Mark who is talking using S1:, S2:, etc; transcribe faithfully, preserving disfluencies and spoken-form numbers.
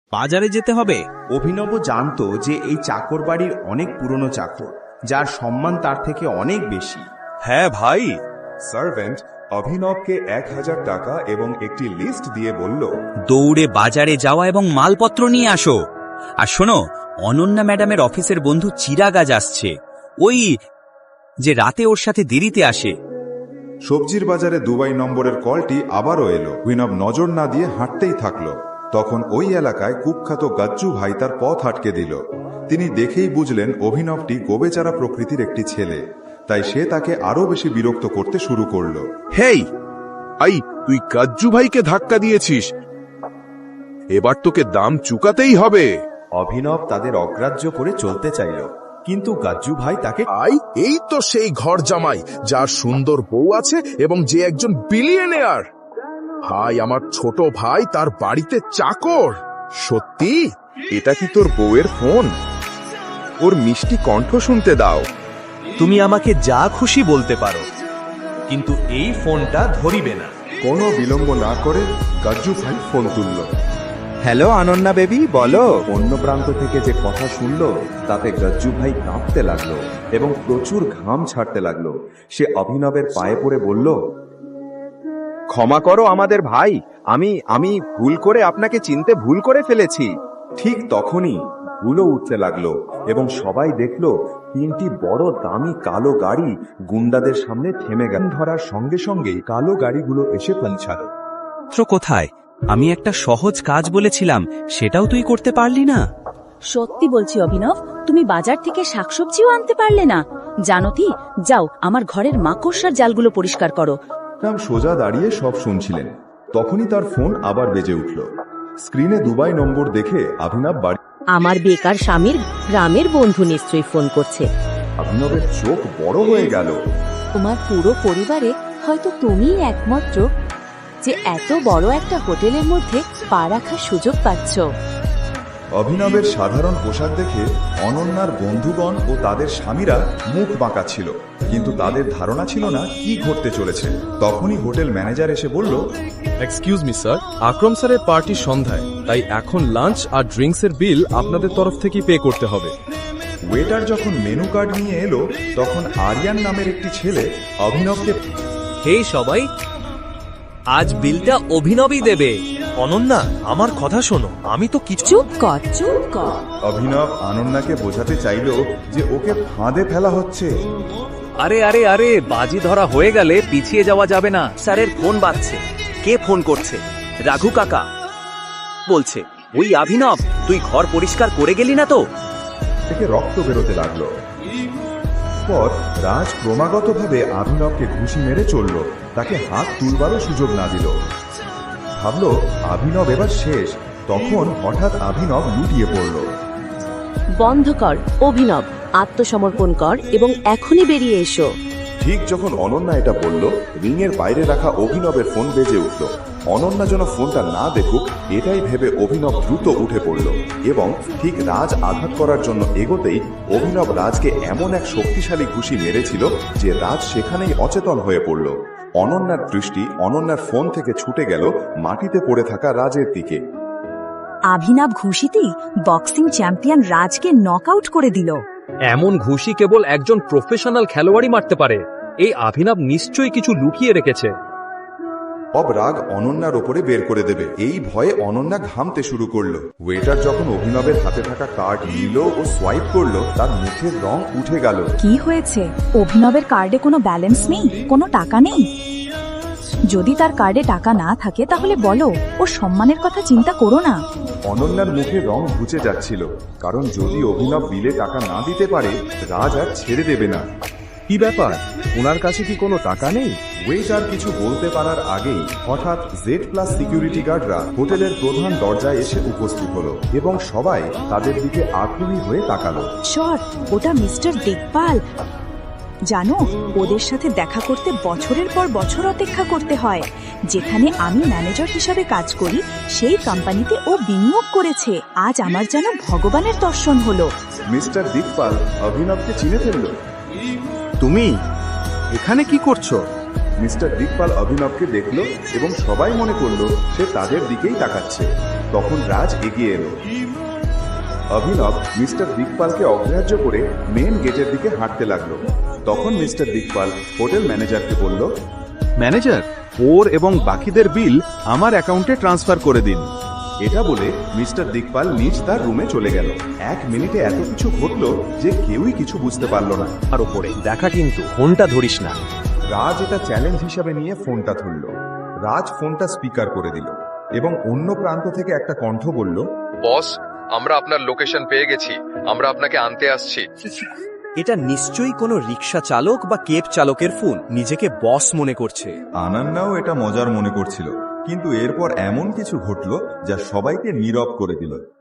S1: বাজারে যেতে হবে।
S2: অভিনব জানতো যে এই চাকর বাড়ির অনেক পুরনো চাকর, যার সম্মান তার থেকে অনেক বেশি।
S3: হ্যাঁ ভাই।
S4: সার্ভেন্ট অভিনবকে এক হাজার টাকা এবং একটি লিস্ট দিয়ে বলল,
S1: দৌড়ে বাজারে যাওয়া এবং মালপত্র নিয়ে আসো। আর শোনো, অনন্যা ম্যাডামের অফিসের বন্ধু চিরাগাজ আসছে, ওই যে রাতে ওর সাথে দেরিতে আসে।
S4: সবজির বাজারে দুবাই নম্বরের কলটি আবারও এলো। অভিনব নজর না দিয়ে হাঁটতেই থাকলো। তখন ওই এলাকায় কুখ্যাত গাজ্জু ভাই তার পথ আটকে দিল। তিনি দেখেই বুঝলেন অভিনবটি গোবেচারা প্রকৃতির একটি ছেলে, তাই সে তাকে আরো বেশি বিরক্ত করতে শুরু করলো।
S3: হেই, আই তুই গাজ্জু ভাইকে ধাক্কা দিয়েছিস, এবার তোকে দাম চুকাতেই হবে।
S2: অভিনব তাদের অগ্রাহ্য করে চলতে চাইল, কিন্তু গাজ্জু ভাই তাকে
S3: আই এই তো সেই ঘর জামাই যার সুন্দর বউ আছে এবং যে একজন বিলিয়নিয়ার। ভাই, আমার ছোট ভাই তার বাড়িতে চাকর। সত্যি? এটা কি তোর বউয়ের ফোন? ওর মিষ্টি কণ্ঠ শুনতে দাও।
S5: তুমি আমাকে যা খুশি বলতে পারো, কিন্তু এই ফোনটা ধরিবে না।
S4: কোনো বিলম্ব না করে গাজ্জু ভাই ফোন তুলল।
S2: হ্যালো অনন্যা বেবি, বলো। অন্য প্রান্ত থেকে যে কথা শুনল তাতে গাজ্জু ভাই কাঁপতে লাগলো এবং প্রচুর ঘাম ছাড়তে লাগলো। সে অভিনবের পায়ে পড়ে বলল, ক্ষমা করো আমাদের ভাই, আমি আমি ভুল করে আপনাকে চিনতে ভুল করে ফেলেছি। ঠিক তখনই ধুলো উঠতে লাগলো এবং সবাই দেখলো তিনটি বড় দামি কালো গাড়ি গুন্ডাদের সামনে থেমে গেল। ধরার সঙ্গে সঙ্গেই কালো গাড়িগুলো এসে পৌঁছালো।
S1: কোথায়? আমি একটা সহজ কাজ বলেছিলাম, সেটাও তুই করতে পারলি না।
S6: সত্যি বলছি অভিনব, তুমি বাজার থেকে শাকসবজিও আনতে পারলে না। জানো কি, যাও আমার ঘরের মাকড়সার জালগুলো পরিষ্কার করো।
S4: রাম সোজা দাঁড়িয়ে সব শুনছিলেন। তখনই তার ফোন আবার বেজে উঠল। স্ক্রিনে দুবাই নম্বর দেখে অভিনব বাড়ি।
S6: আমার বেকার স্বামীর গ্রামের বন্ধু নিশ্চয়ই ফোন করছে।
S4: অভিনবের চোখ বড় হয়ে গেল।
S6: তোমার পুরো পরিবারে হয়তো তুমিই একমাত্র যে এত বড় একটা হোটেলের মধ্যে পা রাখার সুযোগ পাচ্ছ।
S4: অভিনবের সাধারণ পোশাক দেখে অনন্যার বন্ধুগণ ও তাদের স্বামীরা মুখ বাঁকা ছিল, কিন্তু তাদের ধারণা ছিল না কি ঘটতে চলেছে। তখনই হোটেল ম্যানেজার এসে বলল,
S5: এক্সকিউজ মি স্যার, আকরম স্যারের পার্টি সন্ধ্যায়, তাই এখন লাঞ্চ আর ড্রিঙ্কসের বিল আপনাদের তরফ থেকেই পে করতে হবে।
S4: ওয়েটার যখন মেনু কার্ড নিয়ে এলো তখন আরিয়ান নামের একটি ছেলে অভিনবকে,
S7: হে সবাই, আজ বিলটা অভিনবই দেবে।
S5: অনন্যা, আমার কথা শোনো, আমি তো কিছু।
S6: চুপ কর, চুপ কর।
S4: অভিনব অনন্যাকে বোঝাতে চাইল যে ওকে ফাঁদে ফেলা হচ্ছে।
S7: আরে আরে আরে বাজি ধরা হয়ে গেলে পিছিয়ে যাওয়া যাবে না। স্যারের ফোন বাজছে। কে ফোন করছে? রাঘু কাকা বলছে, ওই অভিনব, তুই ঘর পরিষ্কার করে গেলি না তো?
S4: থেকে রক্ত বেরোতে লাগলো। পর রাজ ক্রমাগতভাবে অভিনবকে ঘুষি মেরে চলল, তাকে হাত তুলবারও সুযোগ না দিল। ভাবলো অভিনব এবার শেষ। তখন হঠাৎ অভিনব লুটিয়ে পড়ল।
S6: বন্ধ কর অভিনব, আত্মসমর্পণ কর এবং এখনই বেরিয়ে এসো।
S4: ঠিক যখন অনন্যা এটা বলল, রিংয়ের বাইরে রাখা অভিনবের ফোন বেজে উঠল। অনন্যা যেন ফোনটা না দেখুক এটাই ভেবে অভিনব দ্রুত উঠে পড়ল এবং ঠিক রাজ আঘাত করার জন্য এগোতেই অভিনব রাজকে এমন এক শক্তিশালী ঘুষি মেরেছিল যে রাজ সেখানেই অচেতন হয়ে পড়ল। অনন্যার দৃষ্টি অনন্যার ফোন থেকে ছুটে গেল মাটিতে পড়ে থাকা রাজের দিকে।
S8: অভিনব ঘুষিতেই বক্সিং চ্যাম্পিয়ন রাজকে নকআউট করে দিল।
S7: এমন ঘুষি কেবল একজন প্রফেশনাল খেলোয়াড়ই মারতে পারে। এই অভিনব নিশ্চয়ই কিছু লুকিয়ে রেখেছে।
S4: অব রাগ অনন্যার ওপরে বের করে দেবে, এই ভয়ে অনন্যা ঘামতে শুরু করলো। ওয়েটার যখন অভিনবের হাতে থাকা কার্ড নিল ও সোয়াইপ করলো, তার মুখের রং উঠে গেল।
S8: কি হয়েছে? অভিনবের কার্ডে কোনো ব্যালেন্স নেই, কোনো টাকা নেই? যদি তার কার্ডে টাকা না থাকে তাহলে বলো, ও সম্মানের কথা চিন্তা করো না।
S4: অনন্যার মুখে রং ঘুচে যাচ্ছিল, কারণ যদি অভিনব বিলে টাকা না দিতে পারে রাজ আর ছেড়ে দেবে না।
S5: কি ব্যাপার, ওনার কাছে কি কোনো টাকা নেই?
S4: ওয়েটার কিছু বলতে পারার আগেই হঠাৎ জেড প্লাস সিকিউরিটি গার্ডরা হোটেলের প্রধান দরজায় এসে উপস্থিত হলো এবং সবাই তাদের দিকে আগ্রহী হয়ে তাকালো।
S8: শট, ওটা মিস্টার দিকপাল। জানো, ওদের সাথে দেখা করতে বছরের পর বছর অপেক্ষা করতে হয়। যেখানে আমি ম্যানেজার হিসাবে কাজ করি সেই কোম্পানিতে ও বিনিয়োগ করেছে। আজ আমার যেন ভগবানের দর্শন হলো।
S4: মিস্টার দিকপাল অভিনবকে চিনে ফেলল।
S2: তুমি এখানে কি করছো?
S4: মিস্টার দিকপাল অভিনবকে দেখল এবং সবাই মনে করলো সে তাদের দিকেই তাকাচ্ছে।
S2: তখন রাজ এগিয়ে এলো। অভিনব মিস্টার দিকপালকে অগ্রাহ্য করে মেন গেটের দিকে হাঁটতে লাগলো। তখন মিস্টার দিকপাল হোটেল ম্যানেজারকে বলল,
S9: ম্যানেজার, ওর এবং বাকিদের বিল আমার অ্যাকাউন্টে ট্রান্সফার করে দিন।
S2: এটা বলে মিস্টার দিকপাল নিজ তার রুমে চলে গেল। এক মিনিটে এত কিছু ঘটলো যে কেউই কিছু বুঝতে পারল না।
S7: আর ওপরে দেখা কিন্তু ফোনটা ধরিস না।
S2: রাজ এটা চ্যালেঞ্জ হিসাবে নিয়ে ফোনটা ধরল। রাজ ফোনটা স্পিকার করে দিল এবং অন্য প্রান্ত থেকে একটা কণ্ঠ বলল,
S5: বস, আমরা আপনার লোকেশন পেয়ে গেছি, আমরা আপনাকে আনতে আসছি।
S7: এটা নিশ্চয়ই কোনো রিক্সা চালক বা কেব চালকের ফোন, নিজেকে বস মনে করছে।
S2: আনান্নাও এটা মজার মনে করছিল, কিন্তু এরপর এমন কিছু ঘটল যা সবাইকে নীরব করে দিল।